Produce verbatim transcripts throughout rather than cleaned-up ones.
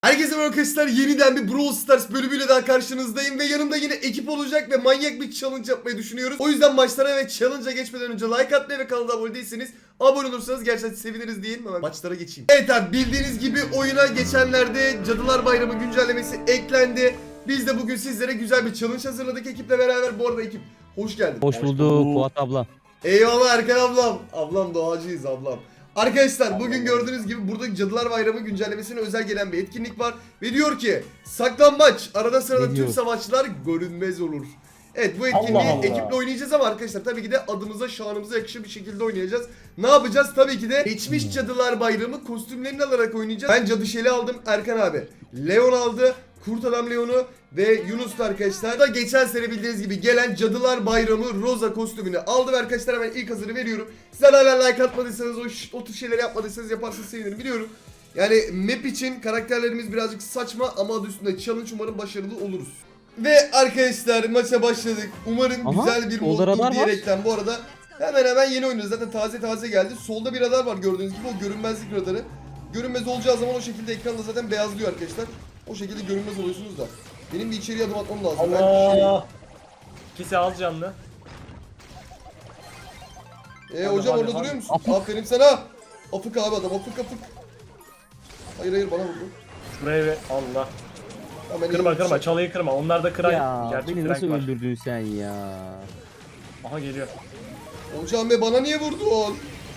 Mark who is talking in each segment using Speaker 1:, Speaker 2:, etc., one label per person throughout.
Speaker 1: Herkese merhaba arkadaşlar, yeniden bir Brawl Stars bölümüyle daha karşınızdayım ve yanımda yine ekip olacak ve manyak bir challenge yapmayı düşünüyoruz. O yüzden maçlara ve challenge'a geçmeden önce like atmayı ve kanala abone değilseniz abone olursanız gerçekten seviniriz diyelim. Hemen maçlara geçeyim. Evet abi, bildiğiniz gibi oyuna geçenlerde Cadılar Bayramı güncellemesi eklendi. Biz de bugün sizlere güzel bir challenge hazırladık ekiple beraber. Bu arada ekip hoş geldin.
Speaker 2: Hoş bulduk Fuat abla.
Speaker 1: Eyvallah Erkan ablam. Ablam doğacıyız ablam. Arkadaşlar bugün gördüğünüz gibi burada Cadılar Bayramı güncellemesine özel gelen bir etkinlik var. Ve diyor ki saklambaç, arada sırada
Speaker 2: Ne
Speaker 1: tüm
Speaker 2: diyor?
Speaker 1: savaşçılar görünmez olur. Evet, bu etkinliği
Speaker 3: Allah Allah.
Speaker 1: ekiple oynayacağız ama arkadaşlar tabii ki de adımıza şanımıza yakışır bir şekilde oynayacağız. Ne yapacağız? Tabii ki de geçmiş Cadılar Bayramı kostümlerini alarak oynayacağız. Ben Cadı Şeli aldım, Erkan abi Leon aldı, Kurt Adam Leon'u ve Yunus da arkadaşlar da geçen sene bildiğiniz gibi gelen Cadılar Bayramı Rosa kostümünü aldım arkadaşlar. Hemen ilk hazırı veriyorum. Sizler hala like atmadıysanız, o, o tür şeyleri yapmadıysanız yaparsanız sevinirim, biliyorum. Yani map için karakterlerimiz birazcık saçma ama adı üstünde challenge, umarım başarılı oluruz. Ve arkadaşlar maça başladık. Umarım
Speaker 2: Aha,
Speaker 1: güzel bir
Speaker 2: solda
Speaker 1: moddur
Speaker 2: radar var.
Speaker 1: diyerekten bu arada hemen hemen yeni oynuyoruz. Zaten taze taze geldi. Solda bir radar var gördüğünüz gibi, o görünmezlik radarı. Görünmez olacağı zaman o şekilde ekranda zaten beyazlıyor arkadaşlar. O şekilde görünmez oluyorsunuz da. Benim bir içeriye adım atmam lazım. Ben şey...
Speaker 3: Allah. İkisi az canlı.
Speaker 1: Ee,
Speaker 3: Hadi,
Speaker 1: hocam
Speaker 3: hadi,
Speaker 1: orada
Speaker 3: hadi.
Speaker 1: duruyor musun?
Speaker 2: Afık.
Speaker 1: Aferin sana. Afık abi adam, afık afık. Hayır hayır, bana vurdu.
Speaker 3: Şuraya ve Allah.
Speaker 1: Hemen
Speaker 3: Kırma
Speaker 1: iyi-
Speaker 3: kırma, çalıyı kırma. Onlar da kıran
Speaker 2: Ya
Speaker 3: gerçek
Speaker 2: beni nasıl
Speaker 3: frank var.
Speaker 2: öldürdün sen ya?
Speaker 3: Aha geliyor.
Speaker 1: Hocam be, bana niye vurdun?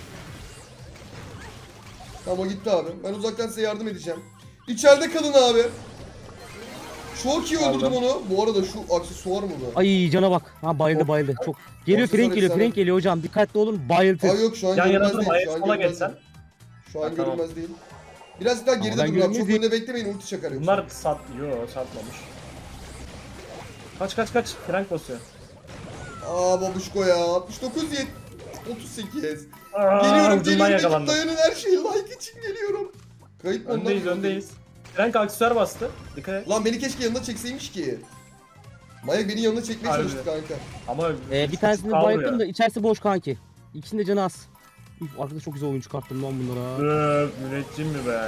Speaker 1: Tamam, o gitti abi. Ben uzaktan size yardım edeceğim. İçeride kalın abi. Çok iyi öldürdüm
Speaker 3: Aldım.
Speaker 1: onu. Bu arada şu aksesuar mı bu?
Speaker 2: Ay cana bak. Ha bayıldı bayıldı. Çok. Geliyor
Speaker 1: Aksesuar
Speaker 2: Frank geliyor
Speaker 1: efsane.
Speaker 2: Frank geliyor hocam. Dikkatli olun bayıltır.
Speaker 1: Aa yok, şu an
Speaker 3: Yan yana
Speaker 1: görünmez
Speaker 3: durma,
Speaker 1: değil. Şu
Speaker 3: ayak
Speaker 1: an
Speaker 3: sola
Speaker 1: görünmez
Speaker 3: geçsen.
Speaker 1: değil. Şu an
Speaker 3: Ha, tamam.
Speaker 1: görünmez değil. Biraz daha geride
Speaker 2: ben
Speaker 1: durun abi. Çok
Speaker 2: görünmez
Speaker 1: önüne beklemeyin, ulti çakar yoksa.
Speaker 3: Bunlar sat... Yo satmamış. Kaç kaç kaç. Frank basıyor.
Speaker 1: Aa babuşko ya. altmış dokuz yet. otuz sekiz.
Speaker 3: Aa,
Speaker 1: Geliyorum
Speaker 3: ucundan
Speaker 1: geliyorum. Ekip
Speaker 3: yakalandım.
Speaker 1: dayanın, her şeyi like için geliyorum. Kayıt mı ondan
Speaker 3: Öndeyiz
Speaker 1: mı?
Speaker 3: öndeyiz. Frank aksesuar bastı. Dikkat et.
Speaker 1: Lan beni keşke yanına çekseymiş ki. Manyak beni yanına çekmeye
Speaker 3: Harbi.
Speaker 1: çalıştı kanka.
Speaker 3: Ama
Speaker 2: Ee, bir tanesini
Speaker 3: kaldı
Speaker 2: bayılttım
Speaker 3: ya.
Speaker 2: da içerisi boş kanki. İkisinin de canı az. Üf, arkada çok güzel oyun çıkarttım lan bunlara.
Speaker 3: Öf, müneccim mi be?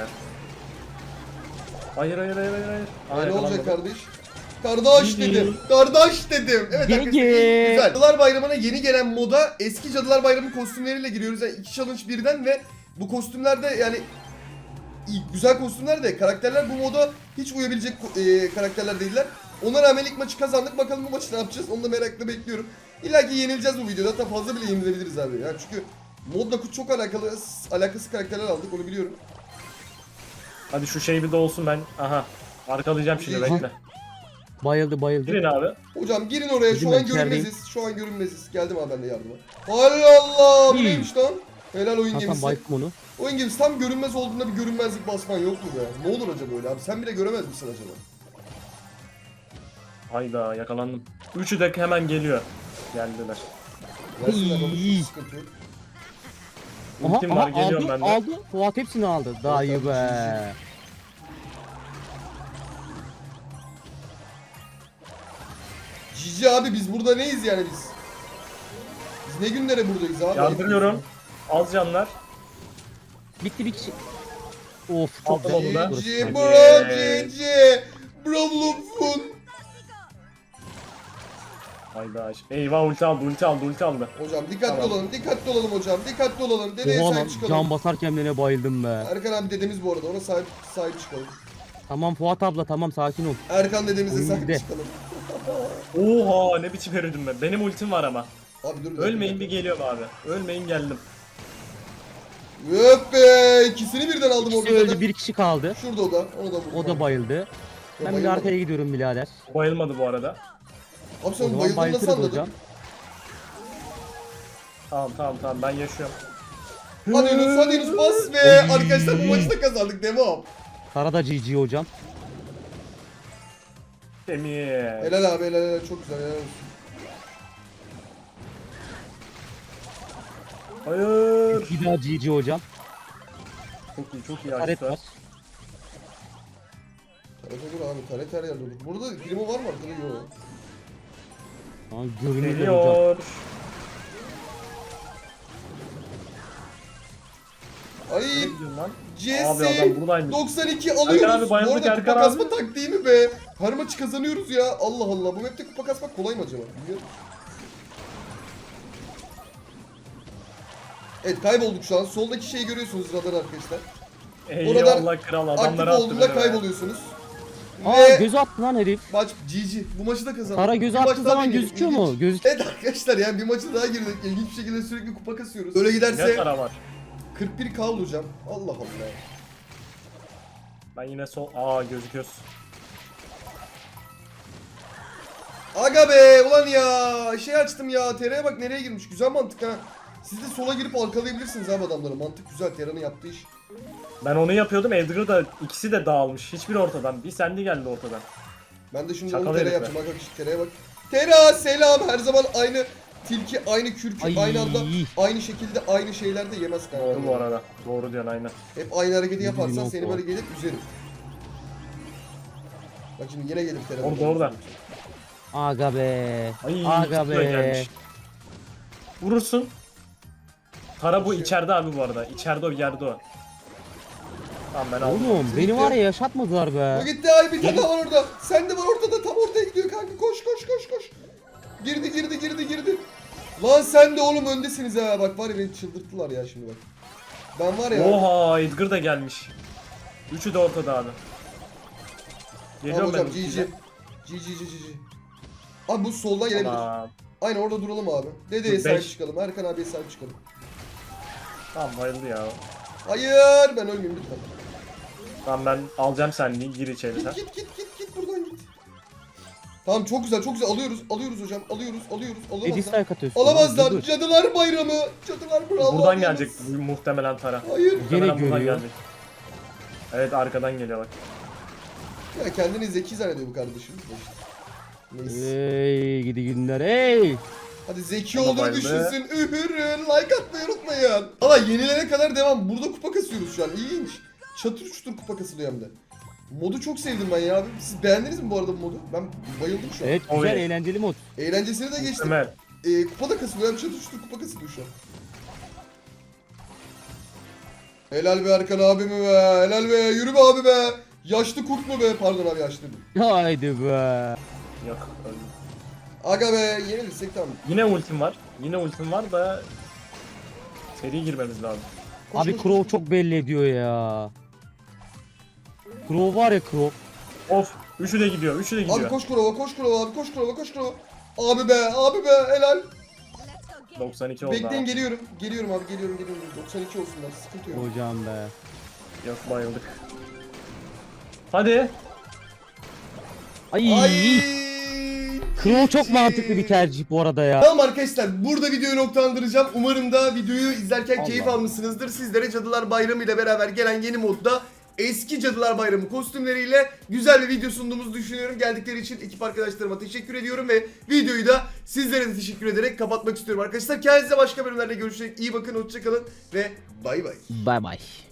Speaker 3: Hayır hayır hayır hayır. hayır. Aa,
Speaker 1: Ee, ne olacak
Speaker 3: yakalanmadı.
Speaker 1: kardeş? Kardeş
Speaker 3: Gigi.
Speaker 1: dedim. Kardeş dedim. Evet
Speaker 2: Gigi.
Speaker 1: arkadaşlar, güzel. Cadılar Bayramı'na yeni gelen moda eski Cadılar Bayramı kostümleriyle giriyoruz. Yani iki challenge birden ve bu kostümlerde yani iyi, güzel kostümler de karakterler bu moda hiç uyabilecek e, karakterler değiller. Ona rağmen ilk maçı kazandık. Bakalım bu maçı ne yapacağız? Onu da merakla bekliyorum. İlla ki yenileceğiz bu videoda. Hatta fazla bile yenilebiliriz abi. Yani çünkü modla çok alakalı alakası karakterler aldık, onu biliyorum.
Speaker 3: Hadi şu şey bir de olsun, ben. Aha. Arkalayacağım şimdi,
Speaker 1: İyi.
Speaker 3: bekle.
Speaker 2: Bayıldı bayıldı.
Speaker 3: Girin abi.
Speaker 1: Hocam girin oraya.
Speaker 2: Bizim
Speaker 1: Şu an
Speaker 2: ben içerideyim.
Speaker 1: görünmeziz. Şu an görünmeziz. Geldim abi ben de yardıma. Allah Allah. Bu
Speaker 2: İyi.
Speaker 1: neymiş lan? Helal oyun
Speaker 2: Hakan
Speaker 1: gemisi.
Speaker 2: bayılttım onu.
Speaker 1: Oyun gemisi tam görünmez olduğunda bir görünmezlik basman yok mu be? Ne olur acaba öyle abi? Sen bile göremez misin acaba?
Speaker 3: Hayda, yakalandım. Üçü de hemen geliyor. Geldiler.
Speaker 1: Gelsinler baba,
Speaker 2: İyi.
Speaker 1: hiç sıkıntı yok.
Speaker 2: Aha,
Speaker 3: Ultim var,
Speaker 2: aha
Speaker 3: geliyorum
Speaker 2: aldı
Speaker 3: ben de.
Speaker 2: aldı. Fuat hepsini aldı. Daha
Speaker 1: Evet,
Speaker 2: iyi
Speaker 1: abi,
Speaker 2: be.
Speaker 1: Cici abi, biz burada neyiz yani biz? Biz ne günlere buradayız abi?
Speaker 3: Yardırıyorum. Az canlar.
Speaker 2: Bitti bir kişi. Of çok
Speaker 3: Aldım
Speaker 2: güzel.
Speaker 3: onu da.
Speaker 1: Cici
Speaker 3: Hadi.
Speaker 1: bro cici. Brolufun.
Speaker 3: Hayda. Eyvah, ulti aldı, ulti aldı, ulti aldı.
Speaker 1: Hocam dikkatli
Speaker 3: Tamam.
Speaker 1: olalım, dikkatli olalım hocam. Dikkatli olalım. Dedeye
Speaker 2: Oha lan
Speaker 1: sahip çıkalım.
Speaker 2: can basarken bile bayıldım be.
Speaker 1: Erkan abi dedemiz bu arada, ona sahip sahip çıkalım.
Speaker 2: Tamam Fuat abla tamam sakin ol.
Speaker 1: Erkan dedemize
Speaker 2: Oyun
Speaker 1: sahip
Speaker 2: bizde.
Speaker 1: çıkalım.
Speaker 3: Oha, ne biçim yürüdüm ben. Benim ultim var ama.
Speaker 1: Abi dur. bir dakika,
Speaker 3: Ölmeyin, bir
Speaker 1: dakika.
Speaker 3: geliyorum abi. Ölmeyin, geldim.
Speaker 1: Öp be! İkisini birden aldım
Speaker 2: İkisi
Speaker 1: orada.
Speaker 2: öldü
Speaker 1: zaten.
Speaker 2: bir kişi kaldı.
Speaker 1: Şurada o da. Onu da vurdum.
Speaker 2: O da bayıldı.
Speaker 1: Ya
Speaker 2: Ben bir
Speaker 1: bayılmadı.
Speaker 2: arkaya gidiyorum birader.
Speaker 3: Bayılmadı bu arada.
Speaker 1: Abi
Speaker 2: O
Speaker 1: sen
Speaker 2: zaman
Speaker 1: bayıldığını nasıl
Speaker 2: bayıltırız
Speaker 1: anladın?
Speaker 2: hocam.
Speaker 3: Tamam tamam tamam, ben yaşıyorum.
Speaker 1: Hadi Yunus, hadi Yunus bas be! Arkadaşlar bu maçı da kazandık, devam.
Speaker 2: Karada G G hocam.
Speaker 3: Demir.
Speaker 1: Helal abi, helal helal, çok güzel, helal olsun.
Speaker 3: Hayır.
Speaker 2: Bir daha G G hocam.
Speaker 3: Çok iyi, çok iyi
Speaker 2: Taret
Speaker 3: açtı.
Speaker 2: var.
Speaker 1: Taret olur abi, taret her yerde olur. Burada primo var mı arkada? Yok.
Speaker 2: Aa, görünüyor hocam.
Speaker 3: Geliyor.
Speaker 1: Ay
Speaker 3: Ne gidiyorsun lan?
Speaker 1: C
Speaker 3: Abi
Speaker 1: S
Speaker 3: adam buradaymış.
Speaker 1: doksan iki
Speaker 3: Erkan
Speaker 1: alıyoruz.
Speaker 3: abi, bayıldık
Speaker 1: Bu arada kupa
Speaker 3: Erkan
Speaker 1: kasma
Speaker 3: abi.
Speaker 1: taktiği mi be? Her maçı kazanıyoruz ya. Allah Allah. Bu map'te kupa kasmak kolay mı acaba? Bilmiyorum. Evet kaybolduk şu an. Soldaki şeyi görüyorsunuz radar arkadaşlar.
Speaker 3: Eyvallah kral
Speaker 1: Aktif
Speaker 3: adamları attı
Speaker 1: olduğunda
Speaker 3: beni be.
Speaker 1: kayboluyorsunuz.
Speaker 2: Aa
Speaker 1: Ve
Speaker 2: göz attı lan herif.
Speaker 1: maç G G. Bu maçı da kazandık.
Speaker 2: Tara göz
Speaker 1: Bir maç
Speaker 2: attığı
Speaker 1: daha
Speaker 2: zaman
Speaker 1: deneyelim.
Speaker 2: gözüküyor
Speaker 1: İlginç.
Speaker 2: mu? Gözük.
Speaker 1: Evet arkadaşlar yani bir maçı daha girdik. İlginç bir şekilde sürekli kupa kasıyoruz. Öyle
Speaker 3: Ne
Speaker 1: giderse
Speaker 3: para var?
Speaker 1: kırk bir K olacağım. Allah Allah.
Speaker 3: Ben yine sol... Aa gözüküyoruz.
Speaker 1: Aga be ulan ya şey açtım ya Tera'ya bak nereye girmiş güzel mantık ha. Siz de sola girip arkalayabilirsiniz abi adamları mantık güzel Tera'nın yaptığı iş.
Speaker 3: Ben onu yapıyordum. Edgar da ikisi de dağılmış. Hiçbiri ortadan. Bir sendi geldi ortadan.
Speaker 1: Ben de şimdi
Speaker 3: Şaka
Speaker 1: onu Tera'ya
Speaker 3: herif be.
Speaker 1: yapacağım bak işte Tera'ya bak. Tera selam her zaman aynı tilki aynı kürkü
Speaker 2: Ay.
Speaker 1: aynı anda aynı şekilde aynı şeylerde yemez kanka.
Speaker 3: Doğru bu arada. Doğru diyorsun aynen.
Speaker 1: Hep aynı hareketi yaparsan
Speaker 2: Bilmiyorum
Speaker 1: seni
Speaker 2: o.
Speaker 1: böyle gelip üzerim. Bak şimdi yine gelir Tera.
Speaker 3: Orada orada.
Speaker 2: Aga be.
Speaker 3: Ay
Speaker 2: Aga
Speaker 3: tuttu da
Speaker 2: be.
Speaker 3: gelmiş. Vurursun. Tara bu
Speaker 1: Şey-
Speaker 3: içeride abi bu arada. İçeride o yerde o. Tamam ben aldım.
Speaker 2: Oğlum beni var ya yaşatmadılar
Speaker 1: O
Speaker 2: be.
Speaker 1: gitti ay bir tane daha var orada. Sen de var ortada tam ortaya gidiyor kanka koş koş koş koş. Girdi girdi girdi girdi. Lan sen de oğlum öndesiniz ha bak var ya beni çıldırttılar ya şimdi bak. Ben var ya.
Speaker 3: Oha Edgar da gelmiş. Üçü de ortada abi.
Speaker 1: Tamam
Speaker 3: Geliyorum ben
Speaker 1: hocam G G.
Speaker 3: ultiyle.
Speaker 1: G G G G G. Abi bu soldan gelebilir.
Speaker 3: Tamam.
Speaker 1: Aynen orada duralım abi. Dedeye
Speaker 3: Dur,
Speaker 1: sahip
Speaker 3: beş.
Speaker 1: çıkalım. Erkan abiye sahip çıkalım.
Speaker 3: Tamam bayıldı ya.
Speaker 1: Hayır ben ölmeyeyim lütfen.
Speaker 3: Tamam ben alacağım senliği. Gir içeri sen.
Speaker 1: Git git git git git buradan git. Tamam çok güzel çok güzel alıyoruz alıyoruz hocam alıyoruz alıyoruz
Speaker 2: Edi
Speaker 1: alamazlar.
Speaker 2: strike atıyorsun.
Speaker 1: Alamazlar.
Speaker 2: Dur.
Speaker 1: Cadılar bayramı. Cadılar bravo.
Speaker 3: Buradan gelecek bu muhtemelen Tara.
Speaker 1: Hayır.
Speaker 3: Muhtemelen buradan
Speaker 2: görüyor.
Speaker 3: gelecek. Evet arkadan geliyor bak.
Speaker 1: Ya kendini zeki zannediyor bu kardeşimiz de işte. Neyse.
Speaker 2: Hey gidi günler hey.
Speaker 1: Hadi zeki
Speaker 3: Ama
Speaker 1: olduğunu
Speaker 3: bayıldı.
Speaker 1: düşünsün. Ühürün. Like atmayı unutmayın. Ama yenilene kadar devam. Burada kupa kasıyoruz şu an. İlginç. Çatır çutur kupa kasılıyor hem de. Modu çok sevdim ben ya abi. Siz beğendiniz mi bu arada bu modu? Ben bayıldım şu an.
Speaker 2: Evet güzel
Speaker 3: Oy.
Speaker 2: eğlenceli mod.
Speaker 1: Eğlencesine de geçtim.
Speaker 3: Ömer.
Speaker 1: Ee, kupa da kasılıyor. Hem çatır çutur kupa kasılıyor şu an. Helal be Erkan abimi be. Helal be. Yürü be abi be. Yaşlı kurt mu be? Pardon abi yaşlı.
Speaker 2: Haydi be.
Speaker 3: Yok. öldüm.
Speaker 1: Aga be. Yenilirsek tamam.
Speaker 3: Yine ultim var. Yine ultim var da seri girmemiz lazım.
Speaker 1: Koş,
Speaker 2: Abi
Speaker 1: koş,
Speaker 2: Crow
Speaker 1: koş.
Speaker 2: çok belli ediyor ya. Crow var ya Crow.
Speaker 3: Of. Üçü de gidiyor. Üçü de gidiyor.
Speaker 1: Abi koş kurova koş kurova abi koş kurova koş kurova. Abi be abi be helal.
Speaker 3: doksan iki oldu
Speaker 1: Bekleyin
Speaker 3: abi.
Speaker 1: geliyorum. Geliyorum abi geliyorum geliyorum. doksan iki olsunlar sıkıntı yok.
Speaker 2: Hocam be.
Speaker 3: Yok bayıldık. Hadi.
Speaker 2: Ay.
Speaker 1: Ay.
Speaker 2: Crow çok mantıklı bir tercih bu arada ya.
Speaker 1: Tamam arkadaşlar burada videoyu noktalandıracağım. Umarım da videoyu izlerken
Speaker 2: Allah.
Speaker 1: keyif almışsınızdır. Sizlere Cadılar Bayramı ile beraber gelen yeni modda eski Cadılar Bayramı kostümleriyle güzel bir video sunduğumuzu düşünüyorum. Geldikleri için ekip arkadaşlarıma teşekkür ediyorum ve videoyu da sizlere de teşekkür ederek kapatmak istiyorum arkadaşlar. Kendinize başka bölümlerde görüşecek. İyi bakın, hoşçakalın ve bay bay.
Speaker 2: Bye bye.